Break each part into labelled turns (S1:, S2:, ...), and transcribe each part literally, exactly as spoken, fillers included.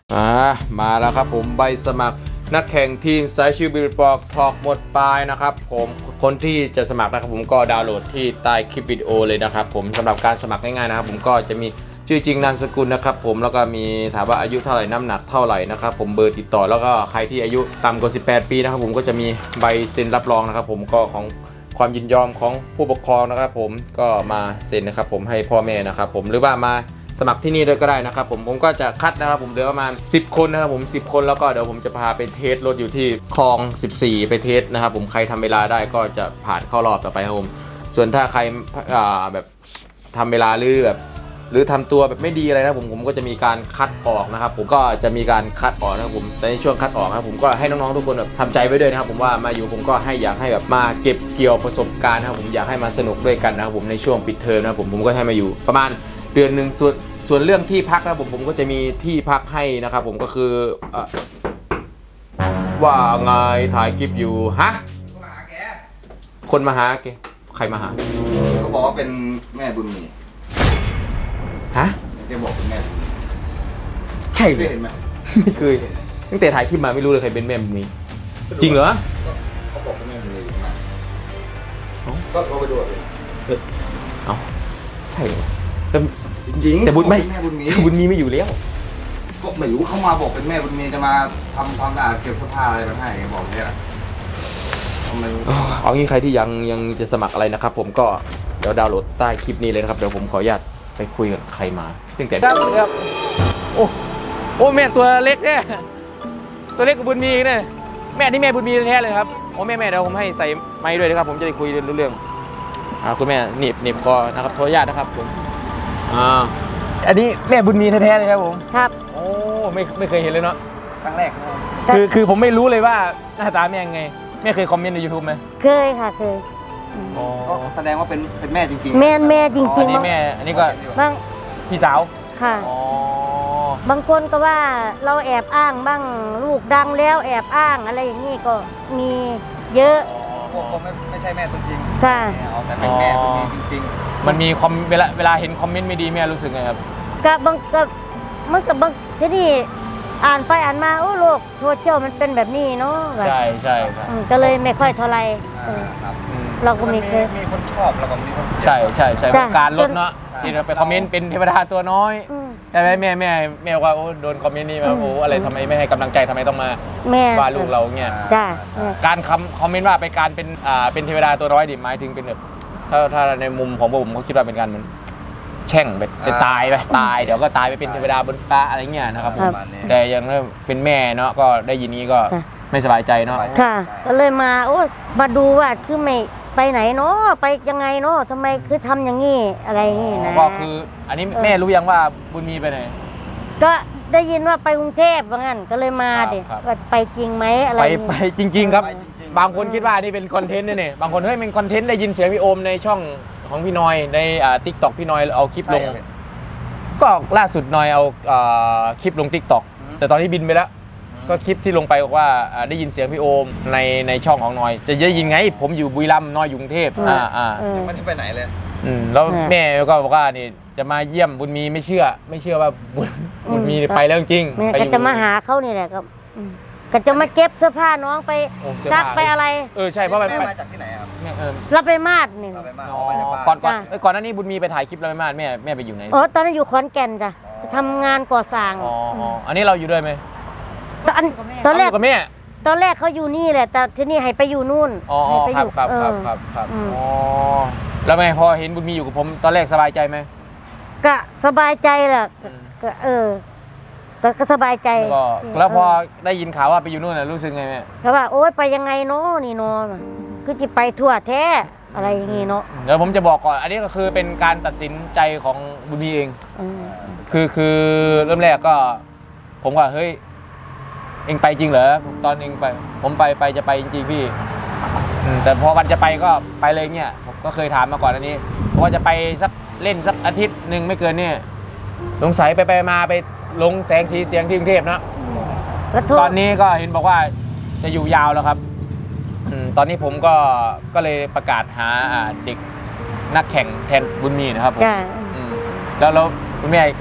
S1: อ่ามาแล้วครับผมใบสมัครนักแข่งทีมสายชิวบิลปอกทอกหมดปลายนะครับผมคนที่จะสมัครนะครับผมก็ดาวน์โหลดที่ใต้คลิปวิดีโอเลยนะครับผมสำหรับการสมัครง่ายๆนะครับผมก็จะมีชื่อจริงนามสกุลนะครับผมแล้วก็มีถามว่าอายุเท่าไหร่น้ำหนักเท่าไหร่นะครับผมเบอร์ติดต่อแล้วก็ใครที่อายุต่ำกว่าสิบแปดปีนะครับผมก็จะมีใบเซ็นรับรองนะครับผมก็ของความยินยอมของผู้ปกครองนะครับผมก็มาเซ็นนะครับผมให้พ่อแม่นะครับผมหรือว่ามาสมัครที่นี่ด้วยก็ได้นะครับผมผมก็จะคัดนะครับผมเหลือประมาณสิบคนนะครับผมสิบคนแล้วก็เดี๋ยวผมจะพาไปเทสรถอยู่ที่คลองสิบสี่ไปเทสนะครับผมใครทำเวลาได้ก็จะผ่านเข้ารอบต่อไปครับผมส่วนถ้าใครอ่าแบบทำเวลาหรือแบบหรือทำตัวแบบไม่ดีอะไรนะผมผมก็จะมีการคัดออกนะครับผมก็จะมีการคัดออกนะครับผมในช่วงคัดออกนะครับผมก็ให้น้องๆทุกคนแบบทำใจไว้ด้วยนะครับผมว่ามาอยู่ผมก็ให้อยากให้แบบมาเก็บเกี่ยวประสบการณ์นะครับผมอยากให้มาสนุกด้วยกันนะครับผมในช่วงปิดเทอมนะครับผมผมก็ให้มาอยู่ประมาณเดือนหนึ่งส่วนส่วนเรื่องที่พักนะผมผมก็จะมีที่พักให้นะครับผมก็คือว่าไงถ่ายคลิปอยู่ฮะคนมาหาแกคนมาหาแกใครมาหา
S2: เขาบอกว่าเป็นแม่บุญมี
S1: ฮะ
S2: แกบอกเป็นแม่
S1: ใช่เลย
S2: เห็นไหม
S1: ไม่เคยตั้งแต่ถ่ายคลิปมาไม่รู้เลยใครเป็นแม่บุญมีจริงเหรอ
S2: เขาบอกเป็นแม่บุญมีอยู่นะก็เขาไปดูเลย
S1: เอ้าใช่เหรอแต่
S2: จริง
S1: แต่บุญไม่
S2: แม่บุญมี
S1: บุญมีไม่อยู่แล้ว
S2: ก็ไม่รู้เขามาบอกเป็นแม่บุญมีจะมาทำความสะอาดเก็บเสื้อผ้าอะไรมาให้บอกเนี่ยทำไม
S1: เอางี้ใครที่ยังยังจะสมัครอะไรนะครับผมก็เดี๋ยวดาวน์โหลดใต้คลิปนี้เลยนะครับเดี๋ยวผมขออนุญาตไปคุยกับใครมาตั้งแต่ครับครับโอ้โอ้แม่ตัวเล็กเนี่ยตัวเล็กกับบุญมีเนี่ยแม่นี่แม่บุญมีแท้เลยครับโอ้แม่แม่เดี๋ยวผมให้ใส่ไม้ด้วยนะครับผมจะได้คุยรู้เรื่องอ่าคุณแม่หนีบหนีบคอนะครับขออนุญาตนะครับผมอ่าอันนี้แม่บุญมีแท้ๆเลยครับผม
S3: ครับ
S1: โอ้ไม่ไม่เคยเห็นเลยเนาะ
S2: ครั้งแรก
S1: คือคือผมไม่รู้เลยว่าหน้าตาแม่ยังไงแม่เคยคอมเมนต์ใน ยูทูบ ไหม
S3: เคยค่ะเคย
S2: ก็แสดงว่าเป็นเป็นแม่จริง
S3: ๆแม่แม่จริง
S1: ๆอันนี้แม่อันนี้ก็
S3: บาง
S1: พี่สาว
S3: ค่ะบางคนก็ว่าเราแอบอ้างบ้างลูกดังแล้วแอบอ้างอะไรอย่างนี้ก็มีเยอะ
S2: พวกผมไม่ไม่ใช่แม่ตัวจริง
S3: ค่ะ
S2: เอาแต่เป็นแม่บุญมีจริง
S1: ๆมันมีคอมเวลาเวลาเห็นคอมเมนต์ไม่ดีแม่รู้สึกไงครับ
S3: กับบางกับมันกับบางที่นี่อ่านไปอ่านมาโอ้โลกโซเชียลมันเป็นแบบนี้เนาะ
S1: ใช่ใช่ครับ
S3: ก็เลยไม่ค่อยเท่าไรเราก็มีเคย
S2: มีคนชอบแล้วก็มีคน
S1: ใช่ใช่ใช่การลดเนาะที่เราไปคอมเมนต์เป็นเทวดาตัวน้อยแต่แม่แม่แม่แม่ว่าโอ้โดนคอมเมนต์นี่มาโอ้อะไรทำไมไม่ให้กำลังใจทำไมต้องมาว่าลูกเราเงี้ยการคำคอมเมนต์ว่าไปการเป็นอ่าเป็นเทวดาตัวน้อยดิหมายถึงเป็นแบบถ้าถ้าในมุมของผมเขาคิดว่าเป็นการมันแช่งไปจะตายไปตายเดี๋ยวก็ตายไปเป็นเทวดาบนฟ้าอะไรเงี้ยนะครับผมแต่ยังเป็นแม่เนาะก็ได้ยินนี้ก็ไม่สบายใจเนาะ
S3: ค่ะก็เลยมาโอ้มาดูว่าคือไม่ไปไหนเนาะไปยังไงเนาะทำไมคือทำอย่างงี้อะไรอย่างงี้นะ
S1: ก็คืออันนี้แม่รู้ยังว่าบุญมีไปไหน
S3: ก็ได้ยินว่าไปกรุงเทพว่างั้นก็เลยมาดิว่าไปจริงไหมอะไร
S1: ไปไปจริงๆครับบางคนคิดว่านี่เป็นคอนเทนต์เนี่ยบางคนเฮ้ยเป็นคอนเทนต์ได้ยินเสียงพี่โอมในช่องของพี่นอยในอ่าทิกตอกพี่นอยเอาคลิปลงก็ล่าสุดนอยเอาอ่าคลิปลงทิกตอกแต่ตอนนี้บินไปแล้วก็คลิปที่ลงไปบอกว่าได้ยินเสียงพี่โอมในในช่องของนอยจะได้ยินไงผมอยู่บุรีรัมย์นอยอยู่กรุงเทพอ่าอ่า
S2: ไม่ได้ไปไหนเลย
S1: อืมแล้วแม่ก็บอกว่านี่จะมาเยี่ยมบุญมีไม่เชื่อไม่เชื่อว่าบุญบุญมีไปแล้วจริง
S3: แม่ก็จะมาหาเขานี่แหละครับก็จะมาเก็บเสื้อผ้าน้องไปซักไปอะไร
S1: เออใช่เพราะ
S2: แม่มาจากที่ไหนครับ
S3: เราไปมาดนี่
S1: ก่อนก่อนก่อนหน้านี้บุญมีไปถ่ายคลิปเราไปมาดแม่แม่ไปอยู่ไหน
S3: อ๋อตอนนั้นอยู่ขอนแก่นจ้ะจะทำงานก่อสร้าง
S1: อ๋ออันนี้เราอยู่ด้วยไหม
S3: ตอนตอนแรก
S1: กับแม่
S3: ตอนแรกเขาอยู่นี่แหละแต่ที่นี่ให้ไปอยู่นู่น
S1: อ๋อครับครับครับครับครับอ๋อแล้วแม่พอเห็นบุญมีอยู่กับผมตอนแรกสบายใจไหม
S3: ก็สบายใจแหละก็เออก็สบายใจ
S1: แล้วพอได้ยินข่าวว่าไปอยู่นู่นน่ะรู้สึกไงแม่
S3: เขาว่าโอ๊ยไปยังไงเนาะนี่เนาะคือจะไปทั่วแท้อะไรอย่างงี้เนาะ
S1: เดี๋ยวผมจะบอกก่อนอันนี้ก็คือเป็นการตัดสินใจของบุญมีเองคือคือเริ่มแรกก็ผมว่าเฮ้ยเองไปจริงเหรอตอนเองไปผมไปไปจะไปจริงๆพี่แต่พอวันจะไปก็ไปเลยเนี่ยผมก็เคยถามมาก่อนอันนี้เพราะว่าจะไปสักเล่นสักอาทิตย์หนึ่งไม่เกินเนี่ยสงสัยไปไปมาไปลงแสงสีเสียงที่กรุงเทพนะตอนนี้ก็เห็นบอกว่าจะอยู่ยาวแล้วครับตอนนี้ผมก็ก็เลยประกาศหาเด็กนักแข่งแทนบุญมีนะครับผมแล้วแล้วคุณแม่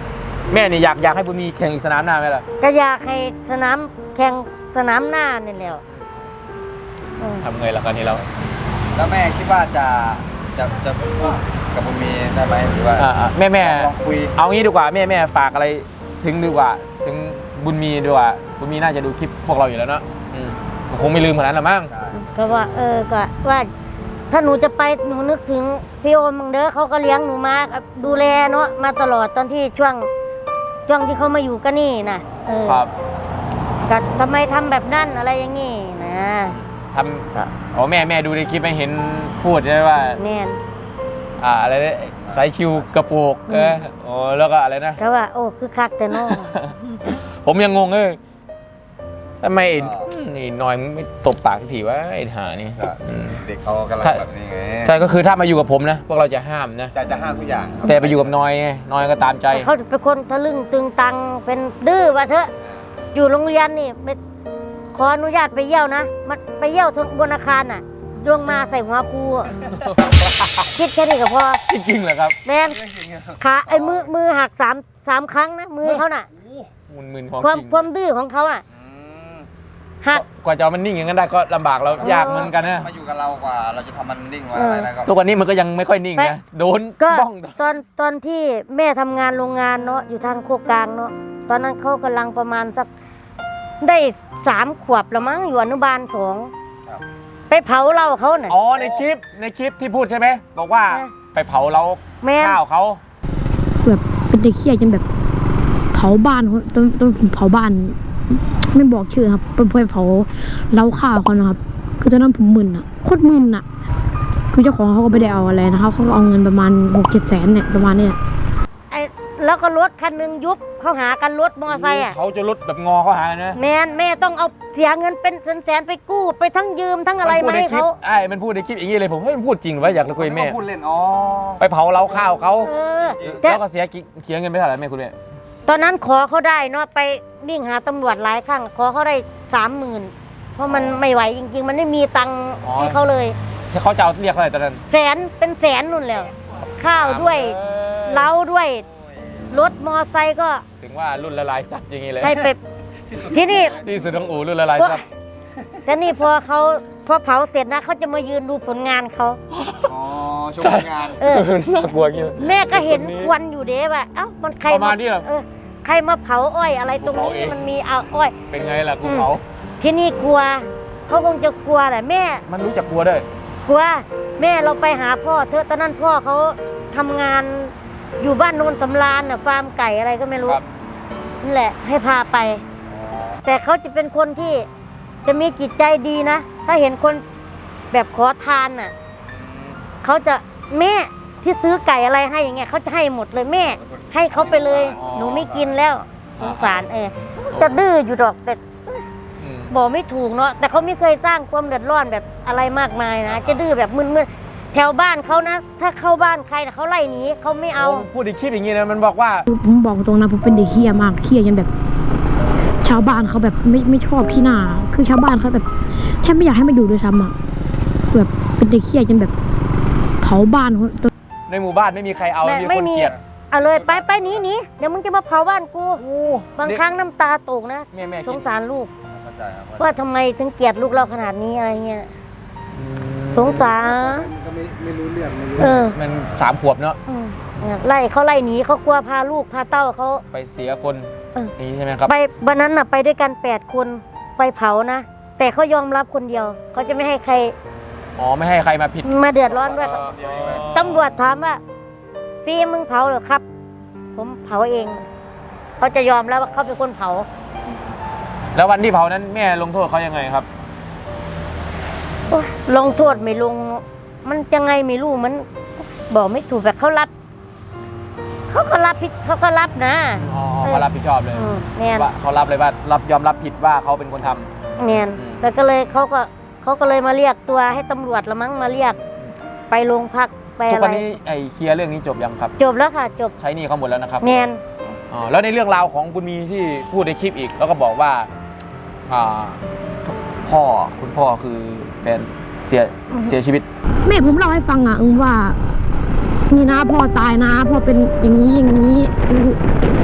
S1: แม่นี่อยากอยากให้บุญมีแข่งอีกสนามหน้าไหมล่ะ
S3: ก็อยากให้สนามแข่งสนามหน้านี่แหละเออ
S1: ทำไงล่ะกันนี้เรา
S2: แล้วแม่คิดว่าจะจะจะพูดกับบุญมีได้ไหมหรือว่า
S1: อ่าแม่แม่
S2: ลองคุย
S1: เอางี้ดีกว่าแม่แม่ฝากอะไรถึงดีกว่าถึงบุญมีดีกว่าบุญมีน่าจะดูคลิปพวกเราอยู่แล้วเนาะอืมคงไม่ลืมขนาดนั้นหรอกมั้ง
S3: ก็ว่าเออก็ว่าถ้าหนูจะไปหนูนึกถึงพี่โอมมังเด้อเขาก็เลี้ยงหนูมาดูแลเนาะมาตลอดตอนที่ช่วงช่วงที่เขามาอยู่ก็นี่นะเออ
S1: ครับ
S3: ก็ทำไมทำแบบนั้นอะไรอย่างงี้นะ
S1: ทำอ๋อแม่แม่ดูในคลิปไม่เห็นพูดใช่ไหมว่า
S3: แน่น
S1: อ่าอะไรนะสายชิวกระโปกเอออ๋อแล้วก็อะไรนะ
S3: ก็ว่าโอ้คือคักแต่เน้อง
S1: ผมยังงงเลยทำไมไอ้นี่หน้อยมึงไม่ตบปากสักทีวะไอ้ห่านี่อืม
S2: เด็กเขากำลังแบบนี้ไง
S1: ใช่ก็คือถ้ามาอยู่กับผมนะ พวกเราจะห้ามนะ
S2: จะจะห้ามทุกอย่างครับ
S1: แต่ไปอยู่กับน้อยไงน้อยก็ตามใจ
S3: เขาเป็นคนทะลึ่งตึงตังเป็นดื้อว่าเถอะอยู่โรงเรียนนี่ไปขออนุญาตไปเยี่ยวนะมันไปเยี่ยวทางบนอาคารน่ะลงมาใส่หัวครูอะ คิดแค่นี้ก็พอ
S1: จริงๆเหรอครับ
S3: แมนขาไอ้มือมือหักสามสามครั้งนะมือเขาน่ะ
S1: มุนมึนของ
S3: ความ
S1: จริง
S3: ความดื้อของเขาอ่ะ
S2: อืม
S3: หัก
S1: กว่าจะเอามันนิ่งอย่างนั้นได้ก็ลำบากเรายากเหมือนกันนะ
S2: มาอยู่กับเรากว่าเราจะทำมันนิ่งกว่าอะไรนะก็
S1: ทุกวันนี้มันก็ยังไม่ค่อยนิ่งนะโดน
S3: ก็
S1: บ้อง
S3: ตอนตอนที่แม่ทำงานโรงงานเนาะอยู่ทางโคกกลางเนาะตอนนั้นเขากำลังประมาณสักได้สามขวบละมั้งอยู่อนุบาลสอง
S2: ครับ
S3: ไปเผาเหล้าเขาน่ะ
S1: อ๋อในคลิปในคลิปที่พูดใช่ไหมบอกว่า
S3: เออ
S1: ไปเผาเรา
S3: แม่น
S1: ข้าวเขา
S4: แบบเป็นเด็กเขี้ยจนแบบเผาบ้านเขาต้นต้นผมเผาบ้าน ไม่บอกชื่อครับไปไปเผาเล้าข้าวเขานะครับ คือตอนนั้นผมมึนอ่ะโคตรมึนอ่ะ คือเจ้าของเขาก็ไม่ได้เอาอะไรนะครับเขาก็เอาเงินประมาณหกเจ็ดแสนเนี่ยประมาณเนี้ย
S3: ไอ้แล้วก็รถคันหนึงยุบเขาหากันรถมอไซค์อ่ะ
S1: เขาจะลดแบบงอเขาหากันนะ
S3: แม่นแม่ต้องเอาเสียเงินเป็นแสนๆไปกู้ไปทั้งยืมทั้งอะไร
S1: นพูด
S3: มา
S1: ใน
S3: ให้
S1: คลิป
S3: เขา
S1: ไอ้มันพูดในคลิปอย่างนี้เลยผมเฮ้ยมันพูดจริงหรือว่าอยากจะคุยกับแม่
S2: เขาพูดเล่นอ๋อ
S1: ไปเผาเราข้าวเขา
S3: เออแต่
S1: แล้วก็เสียกิเสียเงินไปเท่าไหร่แม่คุณแม่
S3: ตอนนั้นขอเขาได้เนาะไปวิ่งหาตำรวจหลายครั้งขอเขาได้สามหมื่นเพราะมันไม่ไหวจริง ๆ มันไม่มีตังค์ให้เขาเลย
S1: ที่เขาจะเอาเรียกเท่าไหร่ตอนนั้น
S3: แสนเป็นแสนนู่นแล้วข้าวด้วยเหล้าด้วยรถมอไซค์ก็
S1: ถึงว่ารุ่นละลายซับอย่างนี้เลย
S3: ให้ไปที่นี่
S1: ที่สุดของอู่รุ่นละลายซับ
S3: แต่นี่พอเขาพอเผาเสร็จนะเขาจะมายืนดูผลงานเขา
S2: อ๋อชมงาน
S3: เออ
S1: น่ากลัวอย่างนี้
S3: แม่ก็เห็นควันอยู่เด้ว่าเอ้ามันใคร
S1: ประมาณนี้เหรอ
S3: เออใครมาเผาอ้อยอะไรตรง
S1: เผา
S3: นี้
S1: เอง
S3: มันมีเอาอ้อย
S1: เป็นไงล่ะกูเขา
S3: ที่นี่กลัวเขาคงจะกลัวแหละแม่
S1: มันรู้จักกลัวด้วย
S3: กลัวแม่เราไปหาพ่อเธอะตอนนั้นพ่อเขาทำงานอยู่บ้านโนนสำราญน่ะฟาร์มไก่อะไรก็ไม่รู้
S1: ครับ
S3: นั่นแหละให้พาไป แต่เขาจะเป็นคนที่จะมีจิตใจดีนะ ถ้าเห็นคนแบบขอทานน่ะเขาจะแม่ที่ซื้อไก่อะไรให้อย่างเงี้ยเขาจะให้หมดเลยแม่ ให้เขาไปเลย หนูไม่กินแล้วสงสารเออจะดื้ออยู่ดอกแต่
S1: อืม
S3: บอกไม่ถูกเนาะแต่เขาไม่เคยสร้างความเดือดร้อนแบบอะไรมากมายนะจะดื้อแบบมึนๆแถวบ้านเขานะ ถ้าเข้าบ้านใครนะเขาไล่หนีเขาไม่เอา
S1: โพูดในคลิปอย่างนี้นะมันบอกว่า
S4: คือผมบอกตรงนะผมเป็นเด็กเขี้ยมากเขี้ยจนแบบ ชาวบ้านเขาแบบไม่ไม่ชอบพี่หน้าคือชาวบ้านเขาแบบแทบไม่อยากให้มาอยู่ด้วยซ้ำอ่ะคือแบบเป็นเด็กเขี้ยจนแบบเผาบ้านเขา
S1: ในหมู่บ้านไม่มีใครเอา
S3: ไม่
S1: มี
S3: ไม่
S1: คน
S3: มี
S1: เกลียด
S3: เอาเลยไปไปหนีหนีเดี๋ยวมึงจะมาเผาบ้านกู บางครั้งน้ำตาตกนะ
S1: แม่แม่
S3: สงสารลูก
S2: เข้าใจครับ
S3: ว่าทำไมถึงเกลียดลูกเราขนาดนี้อะไรเงี้ยสงสาร
S2: ก็ไม่ไม่รู้เรื่องไม่รู้
S3: เออ
S1: มันสามขวบเนาะ
S3: อืมไล่เขาไล่หนีเขากลัวพาลูกพาเต้าเขา
S1: ไปเสียคน
S3: เออ
S1: นี่ใช่ไหมครับ
S3: ไปวันนั้นน่ะไปด้วยกันแปดคนไปเผานะ แต่เขายอมรับคนเดียว เขาจะไม่ให้ใคร
S1: อ๋อไม่ให้ใครมาผิด
S3: มาเดือดร้อนด้วย
S1: เออ
S3: ตำรวจถามว่าฟีมึงเผาเหรอครับ ผมเผาเองเขาจะยอมแล้วว่าเขาเป็นคนเผา
S1: แล้ววันที่เผานั้นแม่ลงโทษเขายังไงครับ
S3: โอ๊ยลงโทษไม่ลง มันยังไงไม่รู้มันบอกไม่ถูกแบบเขารับเขาก็รับผิดเขาก็รับนะ
S1: อ๋อเขารับผิดชอบเลย
S3: อืมแมน
S1: ว่าเขารับเลยว่ารับยอมรับผิดว่าเขาเป็นคนทำ
S3: แมน
S1: อืม
S3: แล้วก็เลยเขาก็เขาก็เลยมาเรียกตัวให้ตำรวจละมั้งมาเรียก ไปโรงพักไป
S1: ทุก
S3: อะไร
S1: วันนี้ไอ้เคลียร์เรื่องนี้จบยังครับ
S3: จบแล้วค่ะ จบ
S1: ใช้หนี่เขาหมดแล้วนะครับ
S3: แมน
S1: อ๋อแล้วในเรื่องราวของคุณมีที่พูดในคลิปอีก แล้วก็บอกว่าอ่าพ่อคุณพ่อคือแฟนเสียเสียชีวิต
S4: แม่ผมเล่าให้ฟังอ่ะเออว่า นี่นะพ่อตายนะพ่อเป็นอย่างนี้อย่างนี้คือ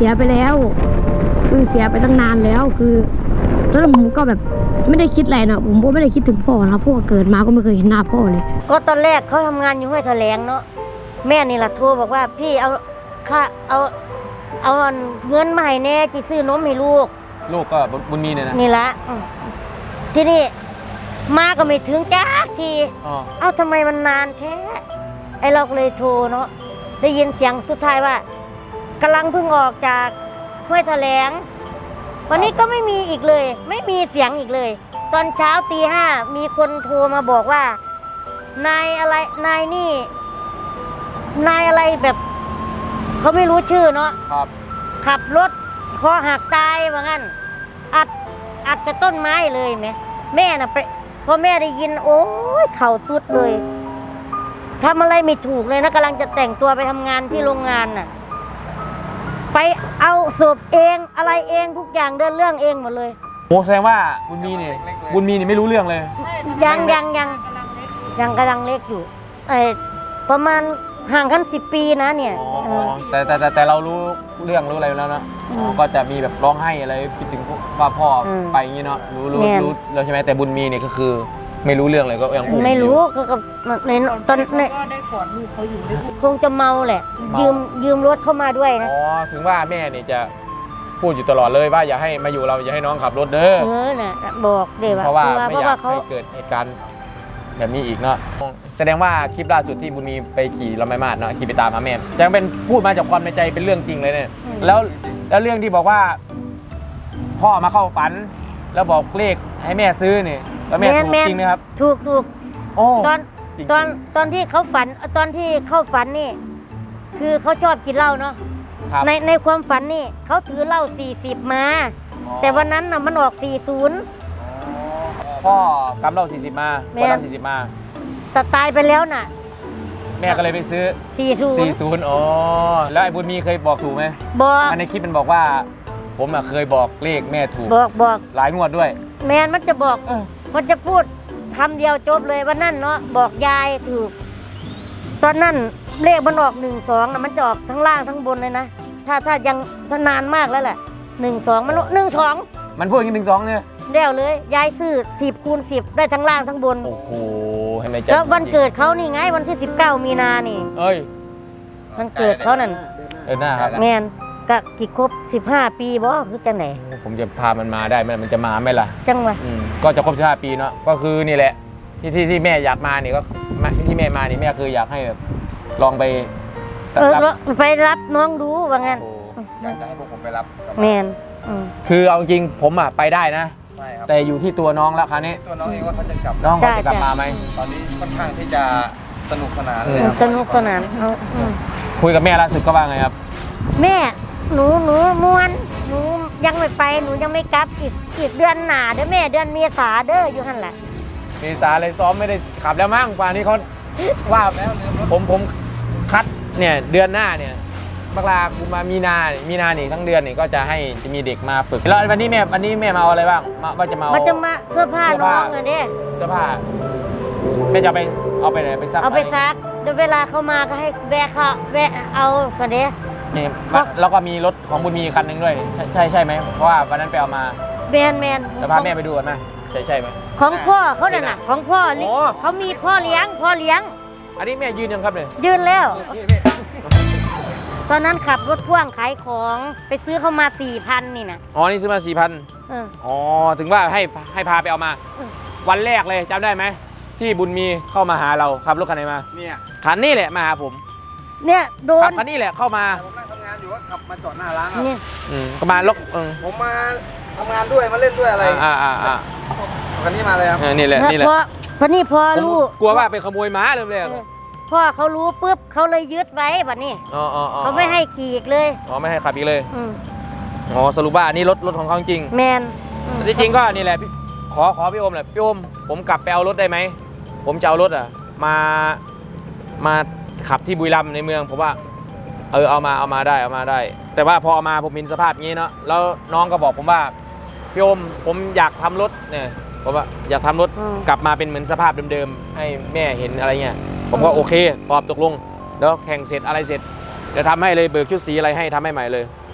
S4: สียไปแล้ว คือเสียไปตั้งนานแล้วคือตอนนั้นผมก็แบบไม่ได้คิดอะไรนะผมก็ไม่ได้คิดถึงพ่อนะครับเพราะว่าเกิดมาก็ไม่เคยเห็นหน้าพ่อเลย
S3: ก็ตอนแรกเขาทำงานอยู่ห้วยแถลงเนาะแม่นี่แหละโทรบอกว่าพี่เอาค่าเอาเอาเงินมาให้แน่จีซื้อนมให้ลูก
S1: ลูกก็บุญมีเนี่ยนะ
S3: นี่ละอืมที่นี่มาก็ไม่ถึงจ้าที
S1: อ๋อ
S3: เอ้าทำไมมันนานแท้ไอเราก็เลยโทรเนาะได้ยินเสียงสุดท้ายว่ากำลังเพิ่งออกจากห้วยแถลงวันนี้ก็ไม่มีอีกเลย ไม่มีเสียงอีกเลย ตอนเช้าตีห้ามีคนโทรมาบอกว่านายอะไรนายนี่ นายอะไรแบบเขาไม่รู้ชื่อเนาะ
S1: ครับ
S3: ขับรถคอหักตายว่างั้นอัดอัดกับต้นไม้เลยไหมแม่น่ะไปพอแม่ได้ยิน โอ้ยเข่าสุดเลยทำอะไรไม่ถูกเลยนะกำลังจะแต่งตัวไปทำงานที่โรงงานน่ะ ไปเอาศพเองอะไรเองทุกอย่างเดินเรื่องเองหมดเลย
S1: โอ้แสดงว่าบุญมีเนี่ยบุญมีเนี่ยไม่รู้เรื่องเลย
S3: ยังยังยังยังกำลังเล็กอยู่ไอประมาณห่างกันสิบปีนะเนี่ย
S1: อ๋อ
S3: เออ
S1: แต่แต่แต่แต่เรารู้เรื่องรู้อะไรแล้วนะ
S3: อืม
S1: อ๋อก็จะมีแบบร้องไห้อะไรคิดถึงว่าพ่ออ
S3: ม
S1: ไปอย่างนี้เนาะรู้รู้
S3: แน่น
S1: รู้แล้วใช่ไหมแต่บุญมีเนี่ยก็คือไม่รู้เรื่องเลยก็ยังอุ้
S3: ไม่รู้
S1: อยู่
S3: ก็กับในตอนใน
S5: ก็ได้กอดลูกเขาอยู่ได้
S3: คงจะเมาแหละ
S1: เมายื
S3: ยืมยืมรถเข้ามาด้วยนะ
S1: อ๋อถึงว่าแม่เนี่ยจะพูดอยู่ตลอดเลยว่าอย่าให้มาอยู่เราอย่าให้น้องขับรถเด้อ
S3: เออน่ะบอกเดี๋ยว
S1: เพราะว่า
S3: เพ
S1: ไม่
S3: ราะ
S1: อยา
S3: ว่าก เขา
S1: ให้เกิดเหตุการณ์แบบนี้อีกเนาะแสดงว่าคลิปล่าสุดที่บุญมีไปขี่ลำไม้มาดเนาะขี่ไปตามหาแม่จะเป็นพูดมาจากความในใจเป็นเรื่องจริงเลยเนี่ยแล้วแล้วเรื่องที่บอกว่า พ่อมาเข้าฝัน แล้วบอกเลขให้แม่ซื้อเนี่ยแล้วแม่ถูกจริงไหมครับ
S3: ถูกถูก
S1: โอ้
S3: ตอน
S1: จริง
S3: ตอนตอนที่เขาฝันตอนที่เข้าฝันนี่ คือเขาชอบกินเหล้าเนาะ
S1: ครับ
S3: ในในความฝันนี่เขาถือเหล้าสี่สิบมา แต่วันนั้นน่ะมันออกสี่สิบ
S1: พ่อกำเราสี่สิบมา
S3: แม่
S1: พ่อเราสี่สิบมา
S3: แต่ตายไปแล้วน่ะ
S1: แม่ก็เลยไปซื้อ
S3: สี่สิบ
S1: สี่ศูนย์อ๋อแล้วไอ้บุญมีเคยบอกถูกไหม
S3: บอก
S1: อันในคลิปมันบอกว่า ผมอะเคยบอกเลขแม่ถูก
S3: บอกบอก
S1: หลายงวดด้วย
S3: แมนมันจะบอก
S1: เออ
S3: มันจะพูดคำเดียวจบเลยวันนั้นเนาะบอกยายถูก ตอนนั้นเลขมันออกหนึ่งสองนะมันจะออกทั้งล่างทั้งบนเลยนะถ้าถ้ายังถ้านานมากแล้วแหละหนึ่งสองมันหนึ่งสอง
S1: มันพูดอย่างนี้หนึ่งสองเนี่ย
S3: แล้วเลยยายซื้อสิบคูณสิบได้ทั้งล่างทั้งบน
S1: โอ้โหให้ในใจ
S3: แล้ววันเกิดเขานี่ไงวันที่สิบเก้ามีนานี่
S1: เอ้ย
S3: วันเกิดเขานั่น
S1: เออหน้าครับ
S3: แมนก็กี่ครบสิบห้าปีบ่คือจังไหน
S1: ผมจะพามันมาได้ไหมมันจะมาไหมล่ะ
S3: จังวะ
S1: อืมก็จะครบสิบห้าปีเนาะก็คือนี่แหละ ที่ที่ที่แม่อยากมานี่ก็ที่แม่มานี่แม่คืออยากให้แบบลองไป
S3: เออ
S1: รับ
S3: ไปรับน้องดูว่างั้น
S1: โอ้
S2: อยากจะให้พวกผมไปรับกลับ
S3: แม
S2: บ้าน
S3: อืม
S1: คือเอาจริงผมอ่ะไปได้นะ
S2: ใช่ครับ
S1: แต่อยู่ที่ตัวน้องแล้วคราวนี้
S2: ตัวน้องเองว่าเขาจะกลับ
S1: น้องเขา
S3: ได้
S1: จะกลับ
S3: จ้ะ
S1: มาไหม
S2: ตอนนี้ค่อนข้างที่จะสนุกสนาน
S1: อื
S2: เล
S1: ม
S2: ยครับ
S3: สนุกสนานเอาอืม
S1: คุยกับแม่ล่าสุดก็ว่าไงครับ
S3: แม่หนูหนูมวนหนูยังไม่ไปหนูยังไม่กลับอีกอีกเดือนหนาเด้อแม่เดือนเมษาเด้ออยู่หันแหละ
S1: เมษาเลยซ้อมไม่ได้ขับแล้วมั้งป่านนี้เขาว่าผมผมคัดเนี่ยเดือนหน้าเนี่ยมกรากุมภามีนาเนี่ยมีนาเนี่ยทั้งเดือนเนี่ยก็จะให้จะมีเด็กมาฝึกแล้ววันนี้แม่วันนี้แม่มาเอาอะไรบ้างมาว่าจะมาเอา
S3: มันจะมาเสื้อผ้า
S1: เสื้อ
S3: น้
S1: ผ้า
S3: องอะเด้
S1: เสื้อผ้าแม่จะเอาไปเอาไปไหนไปซัก
S3: เอาไป
S1: หน
S3: ซักเดี๋ยวเวลาเขามาก็ให้แวะเขาแวะเอาสเด้
S1: นี่แล้วก็มีรถของบุญมีคันหนึ่งด้วยใช่ใช่ใช่ไหมเพราะว่าวันนั้นไปเอามา
S3: แมนแมน
S1: จะพาแม่ไปดูกันไหมใช่ใช่ไหม
S3: ของพ่อเขาน่ะน่ะของพ่อลิ
S1: โอ้
S3: เขามีพ่อเลี้ยง พ่อเลี้ยง
S1: อันนี้แม่ยืนยังครับเนี่ย
S3: ยืนแล้ว
S2: พี่พี่
S3: ตอนนั้นขับรถพ่วงขายของไปซื้อเขามาสี่พันนี่นะ
S1: อ๋อนี่ซื้อมาสี่พัน
S3: เออ
S1: อ๋อถึงว่าให้ให้พาไปเอามา
S3: อืม
S1: วันแรกเลยจำได้ไหมที่บุญมีเข้ามาหาเราขับรถคันไหนมา
S2: เนี่ย
S1: คันนี้แหละมาหาผม
S3: เนี่ยโด
S1: ขั
S3: น
S1: บคันนี้แหละเข้ามา
S2: ผมนั่งทำงานอยู่ก็ขับมาจอดหน้าร้านครับ
S3: เนี่ย
S1: อืมก็มาลกเออ
S2: ผมมาทำงานด้วยมาเล่นด้วยอะไร
S1: อ่าอ่าอ่า
S2: คันนี้มาเลยครับ
S1: เออนี่แหละนี่แหละ
S3: พอพอนี่พอ
S1: ผม
S3: รู้
S1: กลัวว่าเป็นขโมยม้าเลยเลย
S3: เออพ่อเขารู้ปุ๊บเขาเลยยึดไว้แบบนี้
S1: อ๋ออ๋ออ๋อ
S3: เขาไม่ให้ขี่อีกเลย
S1: อ๋อไม่ให้ขับอีกเลย
S3: อืม
S1: อ๋อสรุปว่าอันนี้รถรถของเขาจริง
S3: แมนอืม
S1: ที่จริงก็นี่แหละพี่ขอขอพี่โอมแหละพี่โอมผมกลับไปเอารถได้ไหมผมจะเอารถอ่ะมามาขับที่บุรีรัมย์ในเมืองผมว่าเออเอามาเอามาได้เอามาได้ แต่ว่าพอเอามาผมเห็นสภาพงี้เนาะแล้วน้องก็บอกผมว่าพี่โอมผมอยากทำรถเนี่ยผมว่าอยากทำรถกลับมาเป็นเหมือนสภาพเดิมๆให้แม่เห็นอะไรเงี้ยผมก็โอเคตอบตกลงแล้วแข่งเสร็จอะไรเสร็จเดี๋ยวทำให้เลยเบิกชุดสีอะไรให้ทำให้ใหม่เลย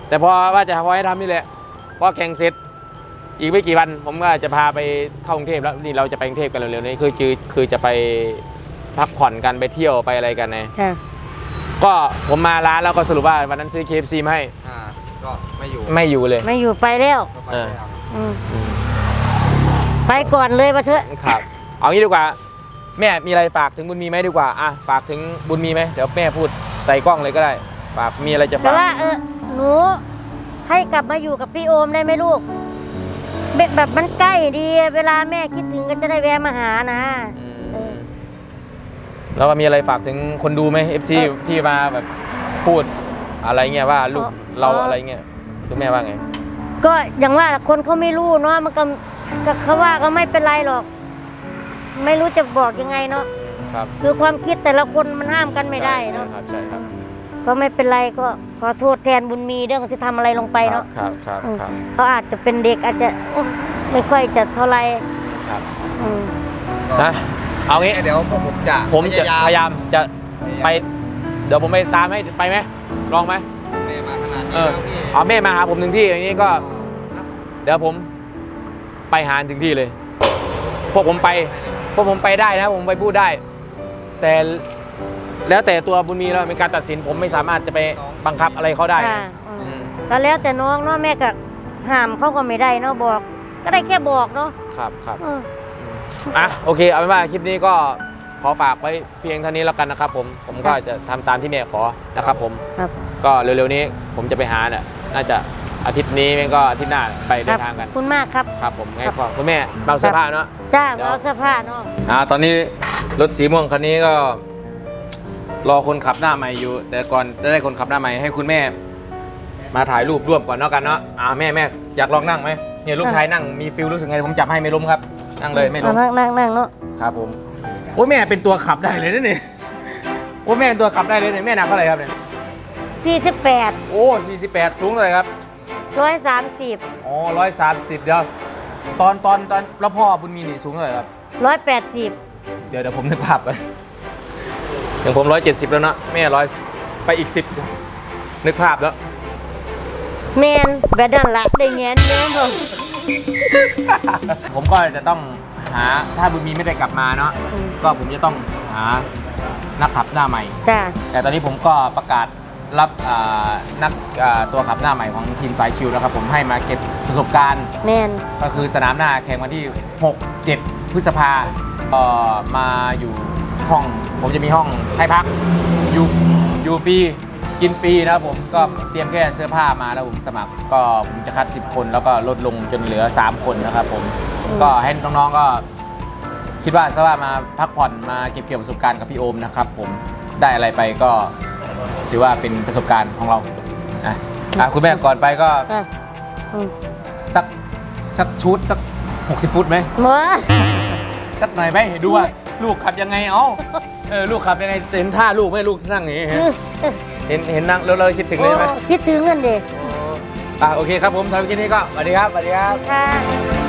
S1: แต่พอว่าจะพอให้ทำนี่แหละพอแข่งเสร็จอีกไม่กี่วันผมก็จะพาไปเข้ากรุงเทพแล้วนี่เราจะไปกรุงเทพกันเร็วๆนี้คือคือคือจะไปพักผ่อนกันไปเที่ยวไปอะไรกันไง
S3: ค่ะ
S1: ก็ผมมาร้านแล้วก็สรุปว่าวันนั้นซื้อ เค เอฟ ซี มาให้
S2: อ่าก็ไม่อยู่
S1: ไม่อยู่เลย
S3: ไม่อยู่ไปแล้ว
S2: ก็ไป
S1: เออ
S2: แล้ว
S3: อืมไปก่อนเลยมาเถอะ
S1: ครับเอางี้ดีกว่าแม่มีอะไรฝากถึงบุญมีไหมดีกว่าอ่ะฝากถึงบุญมีไหมเดี๋ยวแม่พูดใส่กล้องเลยก็ได้ฝากมีอะไรจะ
S3: แต่
S1: ฝาก
S3: ว่าเออหนูให้กลับมาอยู่กับพี่โอมได้ไหมลูกแบบแบบมันใกล้ดี เวลาแม่คิดถึงก็จะได้แวะมาหานะ
S1: อืม
S3: เออ
S1: แล้วก็มีอะไรฝากถึงคนดูไหม เอฟ ซี
S3: เออ
S1: ที่มาแบบพูดอะไรเงี้ยว่าลูก
S3: อ๋อ
S1: เราอะไรเงี้ยคุณแม่ว่าไง
S3: ก็อย่างว่าคนเขาไม่รู้เนาะมันก็ก็เขาว่าก็ไม่เป็นไรหรอก ไม่รู้จะบอกยังไงเนาะ
S1: ครับ
S3: คือความคิดแต่ละคนมันห้ามกันไม่ได้เนาะ
S1: ใช่ครับใช่ครับ
S3: ก็ไม่เป็นไรก็ขอโทษแทนบุญมีเรื่องที่ทำอะไรลงไปเนาะ
S1: ครับครับ
S3: อืม
S1: ครับ
S3: เขาอาจจะเป็นเด็กอาจจะอืมไม่ค่อยจะเท่าไหร
S1: ครับ
S3: อืม
S1: นะเอางี้
S2: เดี๋ยวผมจะ
S1: ผมจะพยายามจะไป
S2: ไป
S1: เดี๋ยวผมไปตามให้ไปไหมลองไหม
S2: แม่มาขนาดนี้
S1: เออ
S2: แล้วพี่
S1: เอาแม่มาหาผมถึงที่อย่างนี้ก็
S2: นะ
S1: เดี๋ยวผมไปหาถึงที่เลย พวกผมไป พวกผมไปได้นะ ผมไปพูดได้ แต่แล้วแต่ตัวบุญมีแล้วเป็นการตัดสินผมไม่สามารถจะไปบังคับอะไรเขาได้
S3: ค่ะอืม
S1: อืม
S3: ก็แล้วแต่น้องเนาะแม่ก็ห้ามเขาก็ไม่ได้เนาะบอก ก็ได้แค่บอกเนาะ
S1: ครับครับ
S3: เออ
S1: อ่ะโอเคเอาเป็นว่าคลิปนี้ก็ขอฝากไว้เพียงเท่านี้แล้วกันนะครับ ผมผมก็จะทำตามที่แม่ขอนะครับ ผม
S3: ครับ
S1: ก็เร็วๆนี้ผมจะไปหาเนี่ยน่าจะอาทิตย์นี้แม่งก็อาทิตย์หน้าไป
S3: ค
S1: เดิ
S3: รั
S1: นทางกัน
S3: ขอบคุณมากครับ
S1: ครับผมไงก็คุณแม่เราเสื้อผ้าเนาะ
S3: จ้า
S1: เดี๋ยว
S3: เอาเสื้อผ้าเนาะ
S1: อ่าตอนนี้รถสีม่วงคันนี้ก็ รอคนขับหน้าใหม่อยู่ แต่ก่อนจะได้คนขับหน้าใหม่ให้คุณแม่ มาถ่ายรูปร่วมก่อนเนาะกันเนาะอ่าแม่แม่อยากลองนั่งไหมเนี่ยลูกชายนั่งมีฟิลรู้สึกไงผมจับให้ไม่ล้มครับนั่งเลยไม่ล้
S3: เอา
S1: ม
S3: นั่งนั่งนั่งเนาะ
S1: ครับผมโอ้ยแม่เป็นตัวขับได้เลยนะเนี่ยโอ้ยแม่เป็นตัวขับได้เลยเนี่ยแม่หนักเท่าไหร่ครับเนี่ย
S3: สี่สิบแปด
S1: โอ้สี่สิบแปดสูงเท่าไหร่ครับ
S3: ร้อยสามสิบ
S1: อ๋อร้อยสามสิบเดี๋ยวตอนตอนตอนแล้วพ่อบุญมีนี่สูงเท่าไหร่ครับ
S3: ร้อยแปดสิบ
S1: เดี๋ยวเดี๋ยวผมนึกภาพไปอย่างผมร้อยเจ็ดสิบแล้วเนาะแม่ร้อยไปอีกสิบนึกภาพแล้ว
S3: แมนแบบนั้นละได้เงี้ยเงี้ยผม
S1: ผมก็จะต้องหาถ้าบุญมีไม่ได้กลับมาเนาะ
S3: อืม
S1: ก็ผมจะต้องหานักขับหน้าใหม่
S3: จ้า
S1: แต่ตอนนี้ผมก็ประกาศรับอ่านักอ่าตัวขับหน้าใหม่ของทีมสายชิวนะครับผมให้มาเก็บประสบการณ์
S3: แมน
S1: ก็คือสนามหน้าแข่งวันที่ หก เจ็ด พฤษภาเอ่อมาอยู่ห้อง ผมจะมีห้องให้พักอยู่อยู่ฟรีกินฟรีนะครับผมก็เตรียมแค่เสื้อผ้ามาแล้วผมสมัคร ก็ผมจะคัดสิบคนแล้วก็ลดลงจนเหลือสามคนนะครับผมก็ให้น้องๆก็ คิดว่าซะว่ามาพักผ่อนมาเก็บเกี่ยวประสบการณ์กับพี่โอมนะครับผมได้อะไรไปก็ถือว่าเป็นประสบการณ์ของเราอ่ะอ่ะคุณแม่ก่อนไปก็
S3: อ่ะอืม
S1: สักสักชุดสักหกสิบฟุตไหม
S3: หมอ
S1: สักหน่อยไหมดูว่าลูกขับยังไงเอ้าเออลูกขับยังไงเห็นท่าลูกไหมลูกนั่งอย่างนี้เห็นเห็นเห็นนั่งแล้วเราคิดถึงเลยไหม
S3: โอ้คิดถึงนั่นเด็ก
S1: อ่ะโอเคครับผมสำหรับคลิปนี้ก็สวัสดีครับสวัสดีครับ
S3: ค่ะ